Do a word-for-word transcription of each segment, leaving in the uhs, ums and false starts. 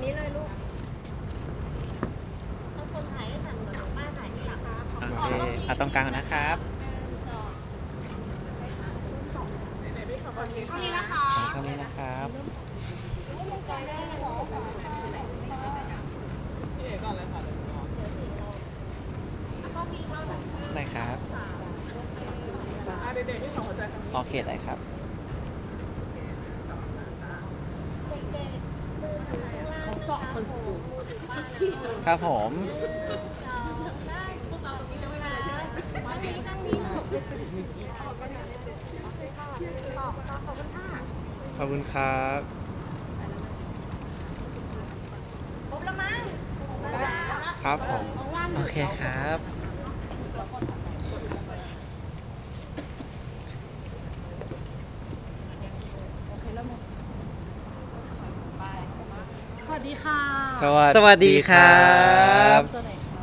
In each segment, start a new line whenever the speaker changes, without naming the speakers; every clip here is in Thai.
นี้เลยลูกต้องคนถ่ายให้ฉันกับป้าถ่ายที่หลังคะขอ
โอเคเอาตรงกลางนะครับ
เท่านี้นะคะ
เท่านี้นะครับ ได้ครับโอเคได้ครับ
เด็กๆมือถือข้างล่างนะคะโผล่มือถือป้านะคะ
ครับผม
สองได้พวกเราตรงนี้จะไม่ได้เลยตั้งนี้ตั้งนี้ลูกขอบคุณค่ะขอบคุณค่ะขอบคุณค่ะ
ขอบคุณครับ
ครบแล้วมั้ง
ครับผม
โอเคครับ
สวัสดีค่ะ
สวัส
สวัสดีครับ
ตัวไหนคะ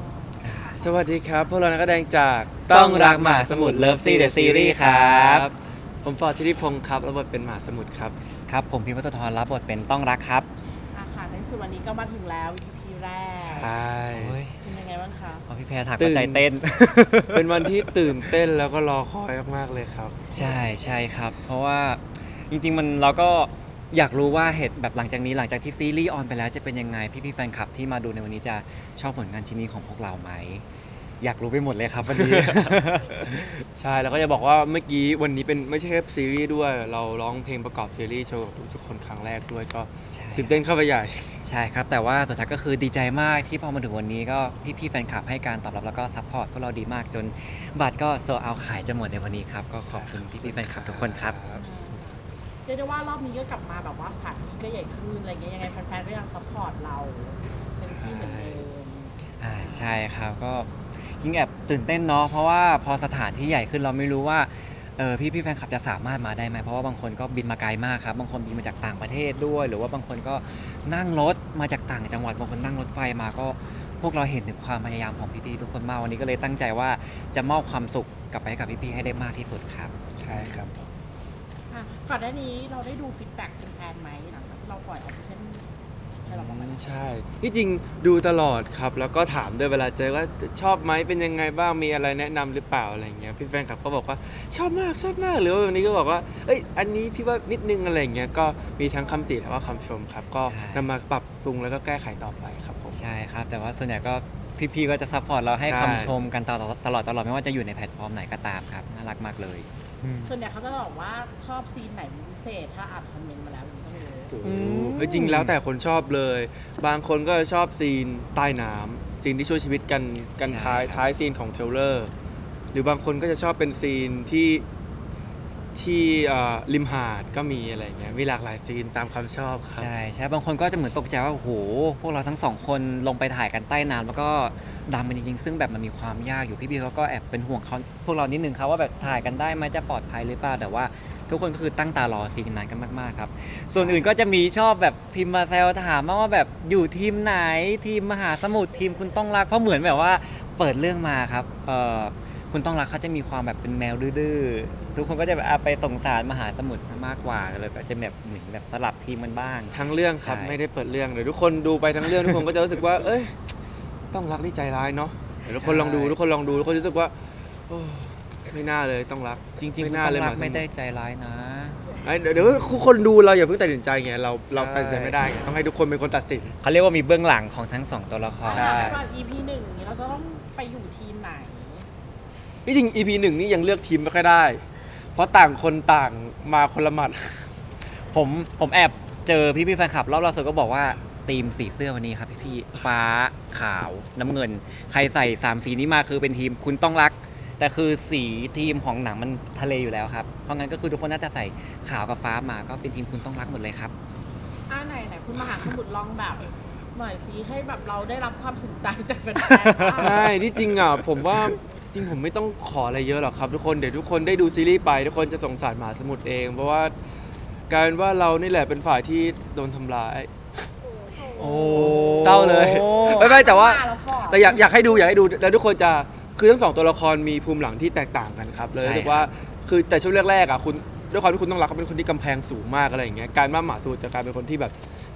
สวัสดีครับ พวกเรานักแสดงจาก
ต้องรักหมาสมุทร Love Sea The Series ครับ
ผมฟอร์ดธิติพงศ์ครับรับบทเป็นหมาสมุทรครับ
ครับผมพิมพ์วัตรรับบทเป็นต้องรักครับ
อาค่ะในสุดวันนี้ก็มาถึงแล้ว อี พี แรก
ใช่
เป็นยังไงบ้างคะ
พอพี่แพรถัก
ตื่
ว่าน ใจเต้น
เป็นวันที่ตื่นเต้นแล้วก็รอคอยมากๆเลยครับ
ใช่ใช่ครับ เพราะว่าจริงๆมันเราก็อยากรู้ว่าเหตุแบบหลังจากนี้หลังจากที่ซีรีส์ออนไปแล้วจะเป็นยังไงพี่ๆแฟนคลับที่มาดูในวันนี้จะชอบผลงานชิ้นนี้ของพวกเราไหมอยากรู้ไปหมดเลยครับวันนี้
ใช่แล้วก็จะบอกว่าเมื่อกี้วันนี้เป็นไม่ใช่แค่ซีรีส์ด้วย เราร้องเพลงประกอบซีรีส์โชว์กับทุกคนครั้งแรกด้วยก็
ใช่
ตื่นเต้นเข้าไปใหญ่
ใช่ครับแต่ว่าสุดท้ายก็คือดีใจมากที่พอมาถึงวันนี้ก็พี่ๆแฟนคลับให้การตอบรับแล้วก็ซัพพอร์ตพวกเราดีมากจนบัตรก็โซเอาขายจะหมดในวันนี้ครับก็ขอบคุณพี่ๆแฟนคลับทุกคนครับ
เรียกได้ว่ารอบนี้ก็กลับมาแบบว่าสถานที่ก็ใหญ่ขึ้นอะไรเงี้ยยังไงแฟนๆก็ยังซัพพอร์ตเราเต็มที่เหมือนเดิม
อ่าใช่ครับก็ยิ่งแอบตื่นเต้นเนาะเพราะว่าพอสถานที่ใหญ่ขึ้นเราไม่รู้ว่าเออพี่พี่ๆแฟนคลับจะสามารถมาได้ไหมเพราะว่าบางคนก็บินมาไกลมากครับบางคนบินมาจากต่างประเทศด้วย หรือว่าบางคนก็นั่งรถมาจากต่างจังหวัดบางคนนั่งรถไฟมาก็พวกเราเห็นถึงความพยายามของพี่ๆทุกคนมากวันนี้ก็เลยตั้งใจว่าจะมอบความสุขกลับไปให้กับพี่ๆให้ได้มากที่สุดครับ
ใช่ครับผม
อ่ะก่อนหน้านี้เราได้ดูฟีดแบ็กแฟนๆไหมหลังจากที่เราปล่อยออฟฟิเชียลให้เราประมาณ
ใช่ที่จริงดูตลอดครับ แล้วก็ถามด้วยเวลาเจอว่าชอบไหมเป็นยังไงบ้างมีอะไรแนะนำหรือเปล่าอะไรเงี้ยพี่แฟนคลับก็บอกว่าชอบมากชอบมากหรือว่าวันนี้ก็บอกว่าเอ้ยอันนี้พี่ว่านิดนึงอะไรเงี้ยก็มีทั้งคำติและว่าคำชมครับ ก็
ใช่
นำมาปรับปรุงแล้วก็แก้ไขต่อไปครับผม
ใช่ครับแต่ว่าส่วนใหญ่ก็พี่ๆก็จะซัพพอร์ตเราให้
ใช่
คำชมกันตลอดตลอดตลอดไม่ว่าจะอยู่ในแพลตฟอร์มไหนก็ตามครับน่ารักมากเลย
ส่วนใหญ่เขาจะบอกว่าชอบซีนไหนเป็นพิเศษถ้าอ่านคอมเมนต์มาแล้วอย่างนี้ก็ไม่รู้
โอ้โห
อืม
เฮ้ยจริงแล้วแต่คนชอบเลย บางคนก็ชอบซีนใต้น้ำซีนที่ช่วยชีวิตกันกันท้ายท้ายซีนของเทรลเลอร์หรือบางคนก็จะชอบเป็นซีนที่ที่เอ่อริมหาดก็มีอะไรเงี้ยมีหลากหลายซีนตามความชอบครับ
ใช่ใช่บางคนก็จะเหมือนตกใจว่าโอ้โหพวกเราทั้งสองคนลงไปถ่ายกันใต้น้ำแล้วก็ดำเป็นจริงๆซึ่งแบบมันมีความยากอยู่พี่บีเขาก็แอบเป็นห่วงเขาพวกเรานิดนึงครับว่าแบบถ่ายกันได้ไหมจะปลอดภัยหรือเปล่าแต่ว่าทุกคนก็คือตั้งตารอซีนนั้นกันมากๆครับส่วนอื่นก็จะมีชอบแบบพิมพ์มาแซวถามมาว่าแบบอยู่ทีมไหนทีมมหาสมุทรทีมคุณต้องรักเพราะเหมือนแบบว่าเปิดเรื่องมาครับเอ่อคุณต้องรักเขาจะมีความแบบเป็นแมวดื้อๆทุกคนก็จะแบบอ่ะไปสงสารมหาสมุทรมากกว่าเลยแบบจะแบบเหมือนแบบสลับทีมกันบ้าง
ทั้งเรื่องครับ
ใช่
ไม่ได้เปิดเรื่องเดี๋ยวทุกคนดูไปทั้งเรื่องทุกคนก็จะรู้สึกว่า เอ้ยต้องรักนี่ใจร้ายเนาะเดี๋ยวทุกคนลองดูทุกคนลองดูทุกคนรู้สึกว่าโอ้ไม่น่าเลยต้องรัก
จริงๆ
ไม่
คุณ
น่า
ต้อง
เลย
รัก
หาส
ไม่
ทร
ได้ใจร้ายนะ
ไอ้เดี๋ยวเดี๋ยวคนดูเราอย่าเพิ่งตัดสินใจไงเราเราตัดสินใจไม่ได้ไงต้องให้ทุกคนเป็นคนตัดสิน
เขาเรียกว่ามีเบื้องหลังของทั้งสองตัวละคร
ใช่
ตอน อี พี หนึ่งนี้เราจะต้องไปอยู่ทีมไหน
ที่จริง อี พี หนึ่งนี่ยังเลือกทีมไม่ค่อยได้ เพราะต่างคนต่างมาคนละหมัด
ผมผมแอบเจอพี่พี่ๆแฟนคลับรอบล่าสุดก็บอกว่าทีมสีเสื้อวันนี้ครับพี่พี่ๆฟ้าขาวน้ำเงิน ใครใส่สามสีนี้มาคือเป็นทีมคุณต้องรัก แต่คือสีทีมของหนังมันทะเลอยู่แล้วครับเพราะงั้นก็คือทุกคนน่าจะใส่ขาวกับฟ้ามาก็เป็นทีมคุณต้องรักหมดเลยครับ
อ่าไหนไหนคุณมหาสมุทรลองแบบหน่อยสิให้แบบเราได้รับความสนใจจากแฟนๆ
ใช่ที่จริงอ่ะผมว่าจริงผมไม่ต้องขออะไรเยอะหรอกครับ ทุกคนเดี๋ยวทุกคนได้ดูซีรีส์ไปทุกคนจะสงสารหมาสมุทรเอง เพราะว่าการว่าเรานี่แหละเป็นฝ่ายที่โดนทำร้าย
โอ้
เศร้าเลย ไม่ไม่แต่ว่า
แล้วก็
แต่อยากอยากให้ดูอยากให้ดูแล้วทุกคนจะคือทั้งสองตัวละครมีภูมิหลังที่แตกต่างกันครับเลยรู้สึกว่าคือแต่ช่วงแรกๆอ่ะคุณด้วยความที่คุณต้องรักเขาเป็นคนที่กำแพงสูงมากอะไรอย่างเงี้ยการว่าหมาสมุทรจะกลายเป็นคนที่แบบ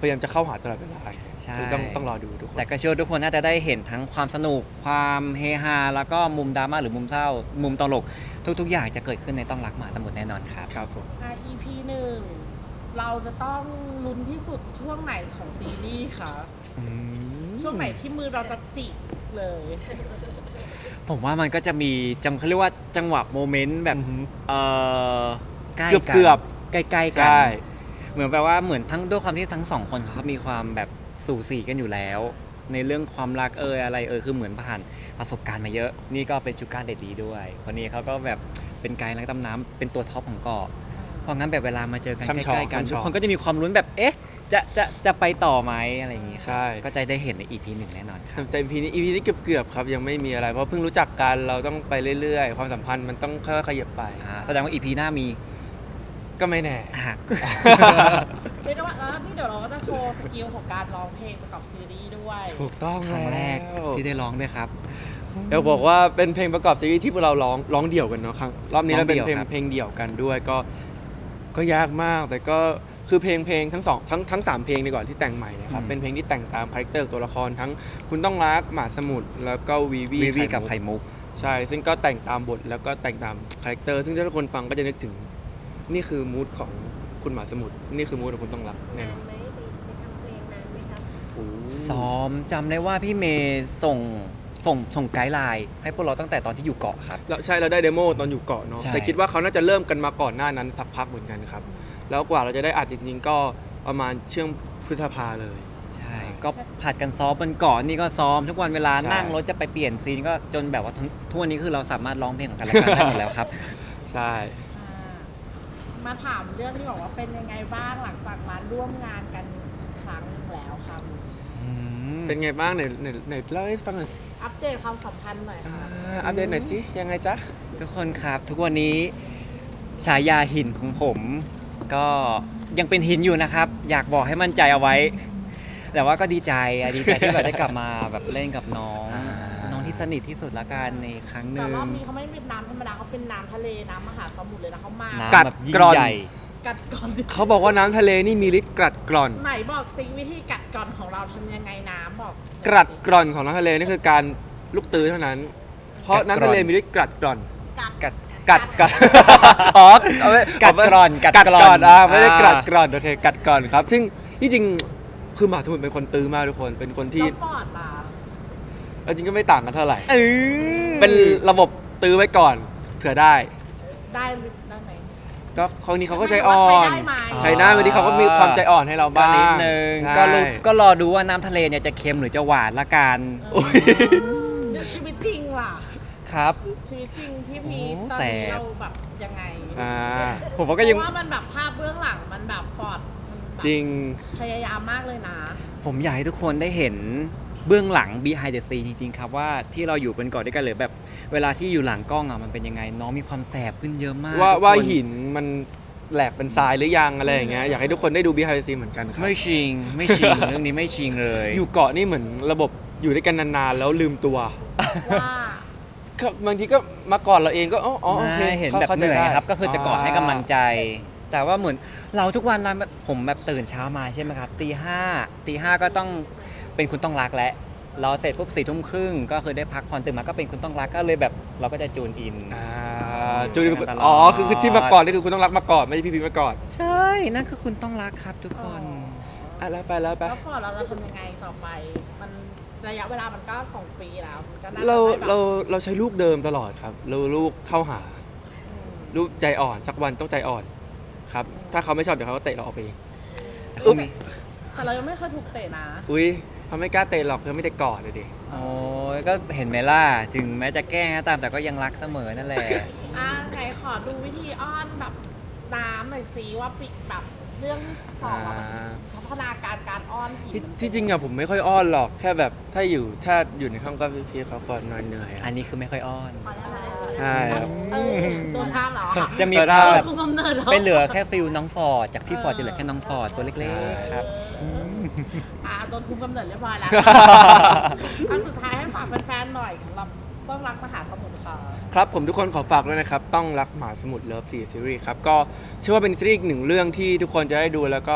พยายามจะเข้าหาตลอดเวลา
ใช่
คือต้องต้องรอดูทุกคน
แต่ก็เชื่อว่าทุกคนน่าจะได้เห็นทั้งความสนุกความเฮฮาแล้วก็มุมดราม่าหรือมุมเศร้า มุมตลกทุก ๆ อย่างจะเกิดขึ้นในต้องรักหมาสมุทรแน่นอนครับ
ครับผม
อ่ะ อี พี หนึ่งเราจะต้องลุ้นที่สุดช่วงไหนของซีรีส์คะช่วงไหนที่มือเราจะจิกเลย
ผมว่ามันก็จะมีจังเขาเรียกว่าจังหวะโมเมนต์แบบ
อือฮึ
เออใกล้
เกือบ
กัน
เกือบ
ใกล้ๆกั
ใช่
เหมือนแปลว่าเหมือนทั้งด้วยความที่ทั้งสองคนเขามีความแบบสู่สีกันอยู่แล้ว ในเรื่องความรักเอยอะไรเอยคือเหมือนผ่านประสบการณ์มาเยอะ นี่ก็เป็นชูการเด็ดดีด้วยคนนี้เขาก็แบบเป็นไกด์นักดำน้ำเป็นตัวท็อปของเกาะเพราะงั้นแบบเวลามาเจอกัน
ช่ำ
ใก
ชอง
ล้ๆกัน
ช่ำช
ทุ
อก ง
คนก็จะมีความลุ้นแบบเอ๊ะจะจะจะไปต่อไหมอะไรอย่างงี้ครับ
ใช่
ก็จะได้เห็นใน อี พี หนึ่งแน่นอนครับ
แต่ อี พี นี้ อี พี นี้เกือบเกือบๆครับยังไม่มีอะไรเพราะเพิ่งรู้จักกันเราต้องไปเรื่อยๆ ความสัมพันธ์มันต้องค่อยๆขยับไป
อ่าแสดงว่า อี พี หน้ามี
ก็ไม่แน่
อ่ะ
เรียกได้ว่าเออนี่เดี๋ยวเราก็จะโชว์สกิลของการร้องเพลงประกอบซีรีส์ด้วย
ถูกต้อง
ครั้งแรก
ล้ว
ที่ได้ร้องด้วยครับ
เดี๋ยวบอกว่าเป็นเพลงประกอบซีรีส์ที่พวกเราร้องร้องเดี่ยวกันเนาะครั้งรอบนี้เราเป็นเพลง
ร้องเดี่ยวครับ
เพลงเดี่ยวกันด้วยก็ก็ยากมากแต่ก็คือเพลงเพลงทั้งสองทั้งทั้งสามเพลงดีกว่าที่แต่งใหม่เนะครับเป็นเพลงที่แต่งตามคาแรคเตอร์ตัวละครทั้งคุณต้องรักหมาสมุทรแล้วก็วีวี
วีวี
ไข่มุ
กับไข่มุก
ใช่ ซึ่งก็แต่งตามบทแล้วก็แต่งตามคาแรคเตอร์ซึ่งถ้าทุกคนฟังก็จะนึกถึงนี่คือมูดของคุณหมาสมุทรนี่คือมูดของคุณต้องรักแน่
นาน
อน
ไหมไปไปทำเพลงนานไหมครับ
โอ้
ซ้อมจำได้ว่าพี่เมย์ส่งส่งส่งไกด์ไลน์ให้พวกเราตั้งแต่ตอนที่อยู่เกาะครับ
แล้วใช่เราได้เดโมตอนอยู่เกาะเนาะ
ใช่
แต่คิดว่าเขาน่าจะเริ่มกันมาก่อนหน้านั้นสักพักเหมือนกันครับ แล้วกว่าเราจะได้อัดจริงๆก็ประมาณเชื่องพฤษภาเลย
ใช่ ก็ผัดกันซ้อมบนเกาะนี่ก็ซ้อมทุกวันเวลา
ใช่
นั่งรถจะไปเปลี่ยนซีนก็จนแบบว่าทั้งทั่วนี้คือเราสามารถร้องเพลงของกันและกันได้หมดแล้วครับ
ใช่
อ่ามาถามเรื่องที่บอกว่าเป็นยังไงบ้างหลังจากมาร่วมงานกันครั้งแล้วครับ
เป็นไงบ้างไหนไหนไหนเล่าให้ฟังหน่อยสิ
อัปเดตความสัมพันธ์หน่อย
อ่า
ค่ะ
อัปเดตหน่อยสิยังไงจ๊ะ
ทุกคนครับทุกวันนี้ฉายาหินของผมก็ยังเป็นหินอยู่นะครับ อยากบอกให้มั่นใจเอาไว้ แต่ว่าก็ดีใจอะดีใจที่แบบได้กลับมาแบบเล่นกับน้อง
อ่า
น้องที่สนิทที่สุดละกันในครั้งห
แต่
นึ่ง
รอบนี้เขาไม่เป็นน้ำธรรมดาเขาเป็นน้ำทะเลน้ำมหาสมุทรเลยนะเขามา
น้ำแบบยิ่
กัดก
ง
ร่อน
ใหญ่
กัดก่อน
เขาบอกว่าน้ำทะเลนี่มีฤทธิ์กรัดกร่อน
ไหนบอกซิวิธีกัดก่อนของเราทำยังไงน้ำบอก
กรัดกร่อนของน้ำทะเลนี่คือการลูกตื้อเท่านั้น เพราะ
กัดกร่อน
น้ำทะเลมีฤทธิ์กรัดกร่อน
กัด
กัด
กัดกัด อ๋อเอาไว้
กัดกร่อนกั
กั
ด
ด
ก
ก
ร่
ร่
อ
อน นอ่ะไม่ได้
อ่า
กรัดกร่อนโอเคกัดกร่อนครับ ซึ่งที่จริงคือหมาสมุทรเป็นคนตื้อมากทุกคนเป็นคนที่
แล้วปอดล่ะ
เอาจริงก็ไม่ต่างกันเท่าไหร่
เออ
เป็นระบบตื้อไว้ก่อนเผื่อได้
ได้ได้ไหม
ก็คราวนี้เขาก็ใจอ่อน
ใช้ได้ไหม
ใช้ได้วันนี้เขาก็มีความใจอ่อนให้เรา
ก็
บ้าง
นิดนึง
ใช่
ก็รู้ก็รอดูว่าน้ำทะเลเนี่ยจะเค็มหรือจะหวานละกัน
โอ้ย
เดี๋ยวชีวิตจริงล่ะ
ครับ
ชีวิตจริงที่มี
โอ้
ตอนนี้
แสบ
เราแบบยังไง
อ่า
ผมว่าก็ยัง
เพราะว่ามันแบบภาพเบื้องหลังมันแบบฟอร์ดมันแบบ
จริง
พยายามมากเลยนะ
ผมอยากให้ทุกคนได้เห็นเบื้องหลัง behind the scene จริงๆครับว่าที่เราอยู่เป็นเกาะด้วยกันหรือแบบเวลาที่อยู่หลังกล้องอ่ะมันเป็นยังไง น้องมีความแสบขึ้นเยอะมาก
ว่า
ทุกคน
ว่าหินมันแหลกเป็นทรายหรือยังอะไรอย่างเงี้ยอยากให้ทุกคนได้ดู behind the scene เหมือนกันครับ
ไม่ชิงไม่ชิง เรื่องนี้ไม่ชิงเลย
อยู่เกาะนี่เหมือนระบบอยู่ด้วยกันนานๆแล้วลืมตัว
ว่า
ก็บางทีก็มาก่อนเราเองก็อ๋ออ๋อโอเค
ไม่เห็นแบบ
ข้า
เห
ใจ
นื่อย
ได้
ครับก็คือจะกอดให้กำลังใจ แต่ว่าเหมือนเราทุกวันเราผมแบบตื่นเช้ามาใช่ไหมครับตีห้าตีห้าก็ต้องเป็นคุณต้องรักแล้วเราเสร็จปุ๊บสี่ทุ่มครึ่งก็คือได้พักผ่อนตื่นมาก็เป็นคุณต้องรักก็เลยแบบเราก็จะจูนอิน
อ่าจูน
ตลอด
อ๋อคือคือที่มาก่อนนี่คือคุณต้องรักมาก่อนไม่ใช่พี่พีมาก่อน
ใช่นั่นคือคุณต้องรักครับทุกคน
อ่ะแล้วไปแล้วไป
แล้วฟอร์ดเราจะทำยังไงต่อไป มันระยะเวลามันก็สองปีแล้วมันก็น่าจะ
เรา
ได้แบบ
เราเราใช้ลูกเดิมตลอดครับเราลูกเข้าหา
อืม
ลูกใจอ่อนสักวันต้องใจอ่อนครับถ้าเขาไม่ชอบเดี๋ยวเขาก็เตะเราออกไปเอง
แต่เขามี
แต่เรายังไม่เคยถูกเตะนะ
อุ้ยเขาไม่กล้าเตะหรอกเขาไม่ได้กอดเลยดิ
โอ้ยก็เห็นไหมล่ะถึงแม้จะแกล้งก็ตามแต่ก็ยังรักเสมอนั่นแหละ
อ่ะไหนขอดูวิธีอ้อนแบบน้ำหน่อยสิว่าปิดแบบเรื่องสองอะมันพัฒนาการการอ้อนผี
ที่
มัน
ที่จริงอะผมไม่ค่อยอ้อนหรอกแค่แบบถ้าอยู่ถ้าอยู่ในห้องก็พี่ๆเขาก่อนนอนเหนื่อย
อั
อะ
นนี้คือไม่ค่อยอ้อน
พอแล้วนะ
ใช่ครับ
เออโดนห้ามเหรอ
จะมี
เออ
ความแบบ
คุมกำเนิดเหรอ
ไปเหลือแค่ฟิลน้องฟอร์ดจากพี่ฟอร์ดจะเหลือแค่น้องฟอร์ดตัวเล็กๆครับ
อ่าโดนคุมกำเนิดเรียบร้อยแล้วอันสุดท้ายให้ฝากแฟนๆหน่อยสำหรับต้องรักมหาสมุทรค่ะ
ครับผมทุกคนขอฝากด้วยนะครับ ต้องรักหมาสมุทรเลิฟสี่ซีรีส์ครับ ก็เชื่อว่าเป็นซีรีส์อีกหนึ่งเรื่องที่ทุกคนจะได้ดูแล้วก็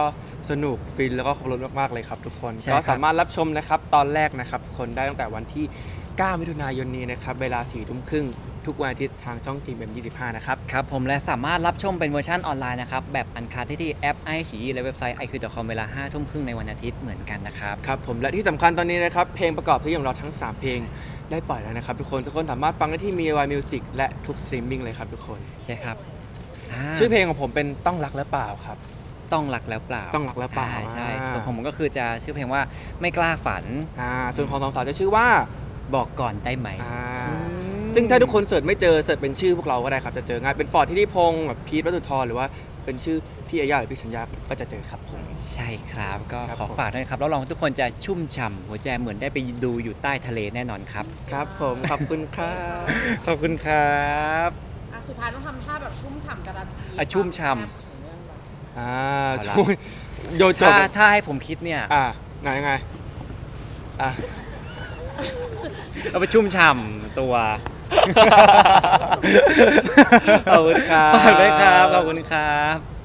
สนุกฟินแล้วก็ครบรสมากๆเลยครับทุกคน
ใช่
ก็
ครับ
สามารถรับชมนะครับตอนแรกนะครับทุกคนได้ตั้งแต่วันที่ เก้า มิถุนายนนี้นะครับเวลาสี่ทุ่มครึ่งทุกวันอาทิตย์ทางช่องจีเอ็มยี่สิบห้านะครับ
ครับผมและสามารถรับชมเป็นเวอร์ชันออนไลน์นะครับ แบบอันคัดที่ที่แอปไอฉีและเว็บไซต์ ไอ คิว ดอท คอม เวลาห้าทุ่มครึ่งในวันอาทิตย์เหมือนกันนะครับ
ครับผมและที่สำคัญตอนนี้นะครับเพลงประกอบซีรีส์ของเราทั้ง สาม เพลงได้ปล่อยแล้วนะครับทุกคนทุกคนสามารถฟังได้ที่ มี วาย Music และทุกสตรีมมิ่งเลยครับทุกคน
ใช่ครับา
ชื่อเพลงของผมเป็นต้องรักและเปล่าครับ
ต้องรักแล้วเปล่า
ต้องรักแล้วเปล่า
อ่ใช่
อ่า
ส่วนของผมก็คือจะชื่อเพลงว่าไม่กล้าฝัน
อ่าส่วนของสองสาวจะชื่อว่า
บอกก่อนได้ไหม
อ่าซึ่งถ้าทุกคนเสิร์ชไม่เจอเสิร์ชเป็นชื่อพวกเราก็ได้ครับจะเจอง่ายเป็นฟอร์ดที่นิพงศ์แบบพีทวัตุธรหรือว่าเป็นชื่อพี่อาญาหรือพี่ชัญญาก็จะเจอครับผม
ใช่ครับก็
ครับ
ขอ
ผม
ฝากด้วยนะครับแล้วลองทุกคนจะชุ่มฉ่ำหัวใจเหมือนได้ไปดูอยู่ใต้ทะเลแน่นอนครับ
ครับผมขอบคุณครับ ขอบคุณครับ
อ่ะสุดท้ายต้องทำท่าแบบชุ่มฉ่ำการันตี
อ่ะชุ่มฉ่ำ
ความแซ่บของเรื่องแบบ
อ่า
เอาละ
ช่วยโยนจบ
ถ้าถ้าให้ผมคิดเนี่ย
อ่าไหนยังไงอ่ะ
เอาไปชุ่มฉ่ำตัว
ขอบคุณครับ
ฝากด้วยครับ ขอบคุณครับ